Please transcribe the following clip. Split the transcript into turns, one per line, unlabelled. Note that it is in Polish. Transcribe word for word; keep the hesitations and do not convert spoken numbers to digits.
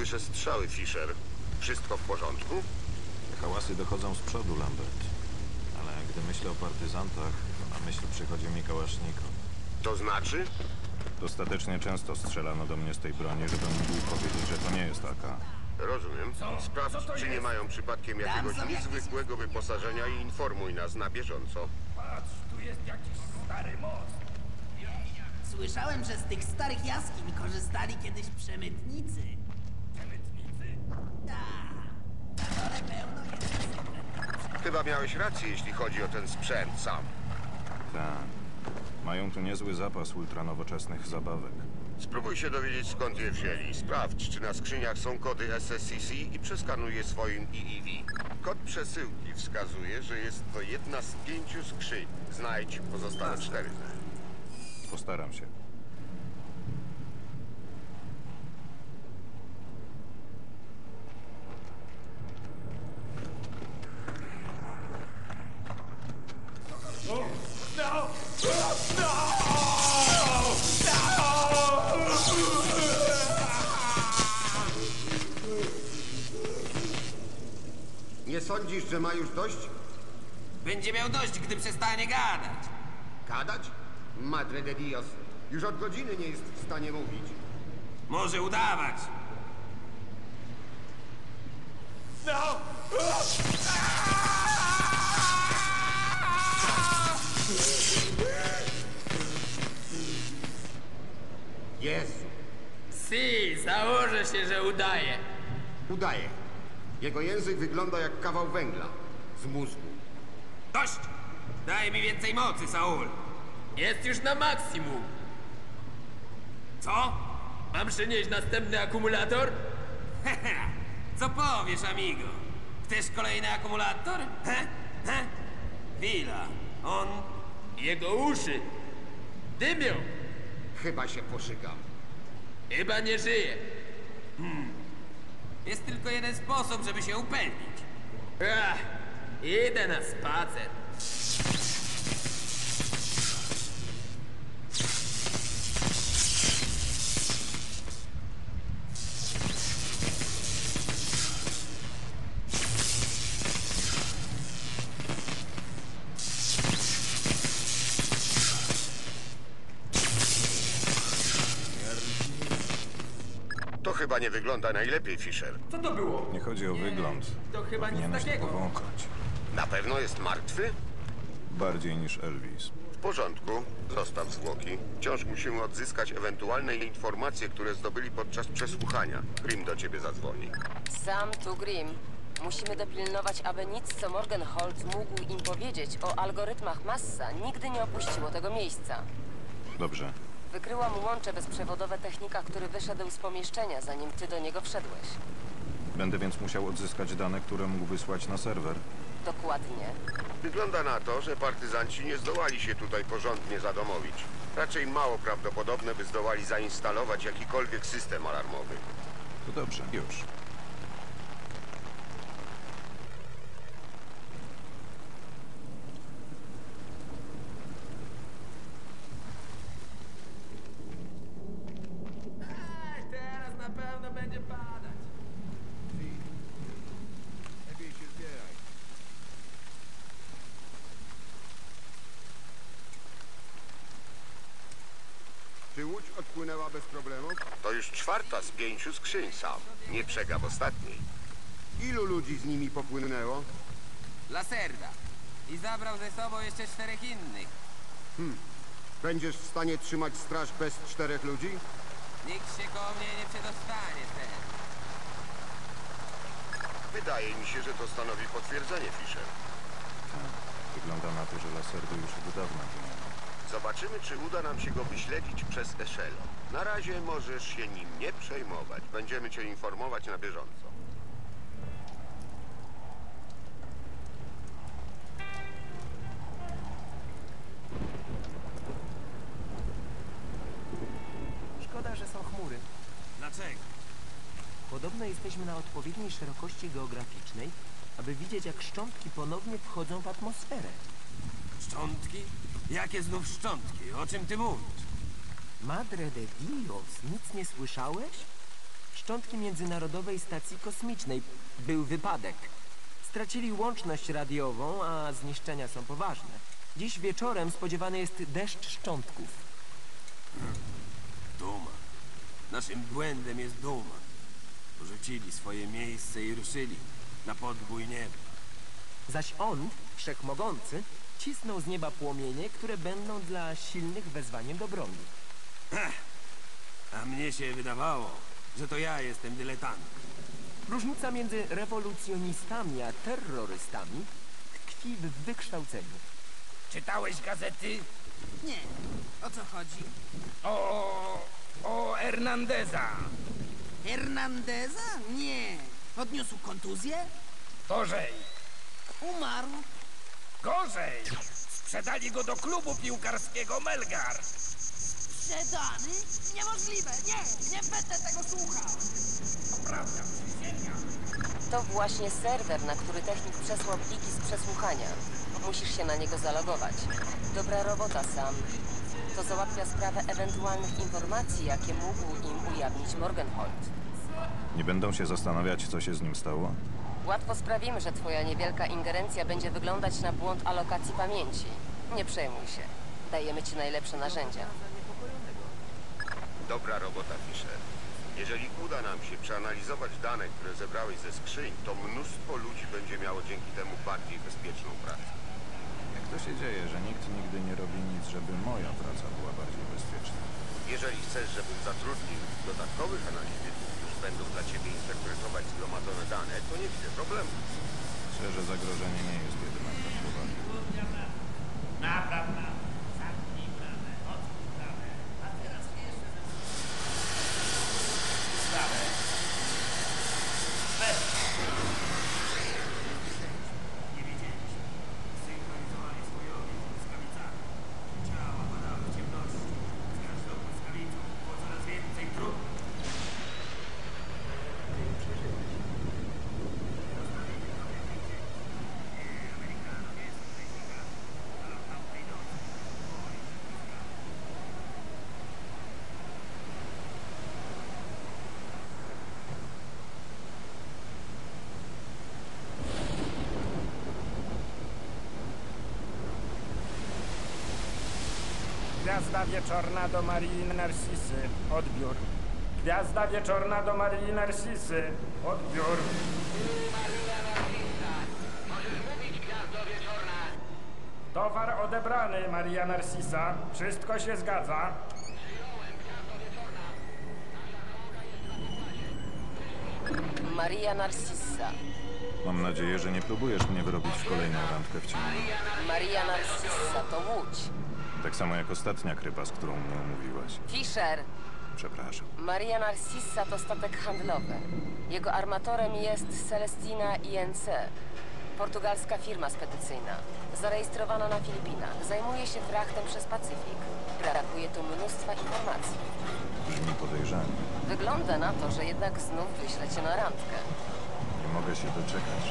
Słyszę strzały, Fisher. Wszystko w porządku?
Hałasy dochodzą z przodu, Lambert. Ale gdy myślę o partyzantach, to na myśl przychodzi mi kałasznikow.
To znaczy?
Dostatecznie często strzelano do mnie z tej broni, żebym mógł powiedzieć, że to nie jest A K.
Rozumiem. Sprawdź, czy nie mają przypadkiem jakiegoś niezwykłego wyposażenia i informuj nas na bieżąco.
Patrz, tu jest jakiś stary most.
Słyszałem, że z tych starych jaskiń korzystali kiedyś przemytnicy.
Przemytnicy?
Tak, na dole pełno jest sekretów.
Chyba miałeś rację, jeśli chodzi o ten sprzęt sam.
Tak. Mają tu niezły zapas ultranowoczesnych zabawek.
Spróbuj się dowiedzieć, skąd je wzięli. Sprawdź, czy na skrzyniach są kody S S C C i przeskanuj je swoim E E V. Kod przesyłki wskazuje, że jest to jedna z pięciu skrzyń. Znajdź pozostałe cztery.
Postaram się.
Nie sądzisz, że ma już dość?
Będzie miał dość, gdy przestanie gadać.
Gadać? Madre de Dios. Już od godziny nie jest w stanie mówić.
Może udawać.
Jezu,
Si, założę się, że udaje.
udaje. Jego język wygląda jak kawał węgla. Z mózgu.
Dość! Daj mi więcej mocy, Saul.
Jest już na maksimum.
Co?
Mam przynieść następny akumulator?
Co powiesz, amigo? Chcesz kolejny akumulator? He? He? Chwila. On...
Jego uszy dymią.
Chyba się poszykam.
Chyba nie żyje.
Jest tylko jeden sposób, żeby się upewnić.
Ach, idę na spacer.
To chyba nie wygląda najlepiej, Fisher.
Co to było?
Nie chodzi o wygląd.
to chyba nic
Powinieneś to
takiego.
powąchać.
Na pewno jest martwy?
Bardziej niż Elvis.
W porządku. Zostaw zwłoki. Wciąż musimy odzyskać ewentualne informacje, które zdobyli podczas przesłuchania. Grim do ciebie zadzwoni.
Sam tu Grim. Musimy dopilnować, aby nic, co Morgenholz mógł im powiedzieć o algorytmach Massa, nigdy nie opuściło tego miejsca.
Dobrze.
Wykryłam łącze bezprzewodowe technika, który wyszedł z pomieszczenia, zanim ty do niego wszedłeś.
Będę więc musiał odzyskać dane, które mógł wysłać na serwer.
Dokładnie.
Wygląda na to, że partyzanci nie zdołali się tutaj porządnie zadomowić. Raczej mało prawdopodobne, by zdołali zainstalować jakikolwiek system alarmowy.
To dobrze, już.
Ej, teraz na pewno będzie padać.
Czy łódź odpłynęła bez problemów?
To już czwarta z pięciu skrzyń, sam. Nie przegap ostatniej.
Ilu ludzi z nimi popłynęło?
Laserda. I zabrał ze sobą jeszcze czterech innych.
Będziesz w stanie trzymać straż bez czterech ludzi?
Nikt się koło mnie nie przedostanie teraz.
Wydaje mi się, że to stanowi potwierdzenie, Fisher.
Tak. Wygląda na to, że Laserdo już od dawna wymienił.
Zobaczymy, czy uda nam się go wyśledzić przez Echelon. Na razie możesz się nim nie przejmować. Będziemy cię informować na bieżąco.
Szkoda, że są chmury.
Dlaczego?
Podobno jesteśmy na odpowiedniej szerokości geograficznej, aby widzieć, jak szczątki ponownie wchodzą w atmosferę.
Szczątki? Jakie znów szczątki? O czym ty mówisz?
Madre de Dios, nic nie słyszałeś? szczątki Międzynarodowej Stacji Kosmicznej. Był wypadek. Stracili łączność radiową, a zniszczenia są poważne. Dziś wieczorem spodziewany jest deszcz szczątków.
Duma. Naszym błędem jest duma. Porzucili swoje miejsce i ruszyli na podbój nieba.
Zaś on, wszechmogący, cisnął z nieba płomienie, które będą dla silnych wezwaniem do broni.
A mnie się wydawało, że to ja jestem dyletantem.
Różnica między rewolucjonistami a terrorystami tkwi w wykształceniu.
Czytałeś gazety?
Nie. O co chodzi?
O... o Hernandeza.
Hernandeza? Nie. Odniósł kontuzję?
Gorzej.
Umarł.
Gorzej. Sprzedali go do klubu piłkarskiego Melgar.
Sprzedany? Niemożliwe. Nie, nie będę tego słuchał.
To prawda, przysięgam.
To właśnie serwer, na który technik przesłał pliki z przesłuchania. Musisz się na niego zalogować. Dobra robota, Sam. To załatwia sprawę ewentualnych informacji, jakie mógł im ujawnić Morgenhold.
Nie będą się zastanawiać, co się z nim stało?
Łatwo sprawimy, że twoja niewielka ingerencja będzie wyglądać na błąd alokacji pamięci. Nie przejmuj się. Dajemy ci najlepsze narzędzia.
Dobra robota, Fisher. Jeżeli uda nam się przeanalizować dane, które zebrałeś ze skrzyń, to mnóstwo ludzi będzie miało dzięki temu bardziej bezpieczną pracę.
Jak to się dzieje, że nikt nigdy nie robi nic, żeby moja praca była bardziej bezpieczna?
Jeżeli chcesz, żebym zatrudnił dodatkowych analityków, którzy będą dla ciebie interpretować zgromadzone dane, to nie widzę problemu.
Myślę, że zagrożenie nie jest jednak tak poważne.
Naprawdę. Zamknij bramę, otwórz bramę. A teraz jeszcze ze sprawę. Bez. Nie wiedzieliśmy. Synchronizowali swój ogień z błyskawicami. Ciała padały w ciemności. Z każdą błyskawicą było coraz więcej trupu.
Gwiazda wieczorna do Marii Narcisy. Odbiór. Gwiazda wieczorna do Marii Narcisy. Odbiór. Towar odebrany, Maria Narcisa. Wszystko się zgadza.
Maria Narcissa.
Mam nadzieję, że nie próbujesz mnie wyrobić w kolejną randkę w ciemno.
Maria Narcissa to łódź.
Tak samo jak ostatnia krypa, z którą mnie umówiłaś.
Fisher.
Przepraszam.
Maria Narcissa to statek handlowy. Jego armatorem jest Celestina I N C. Portugalska firma spedycyjna. Zarejestrowana na Filipinach. Zajmuje się frachtem przez Pacyfik. Brakuje tu mnóstwa informacji.
Brzmi podejrzanie.
Wygląda na to, że jednak znów wyślę cię na randkę.
Nie mogę się doczekać.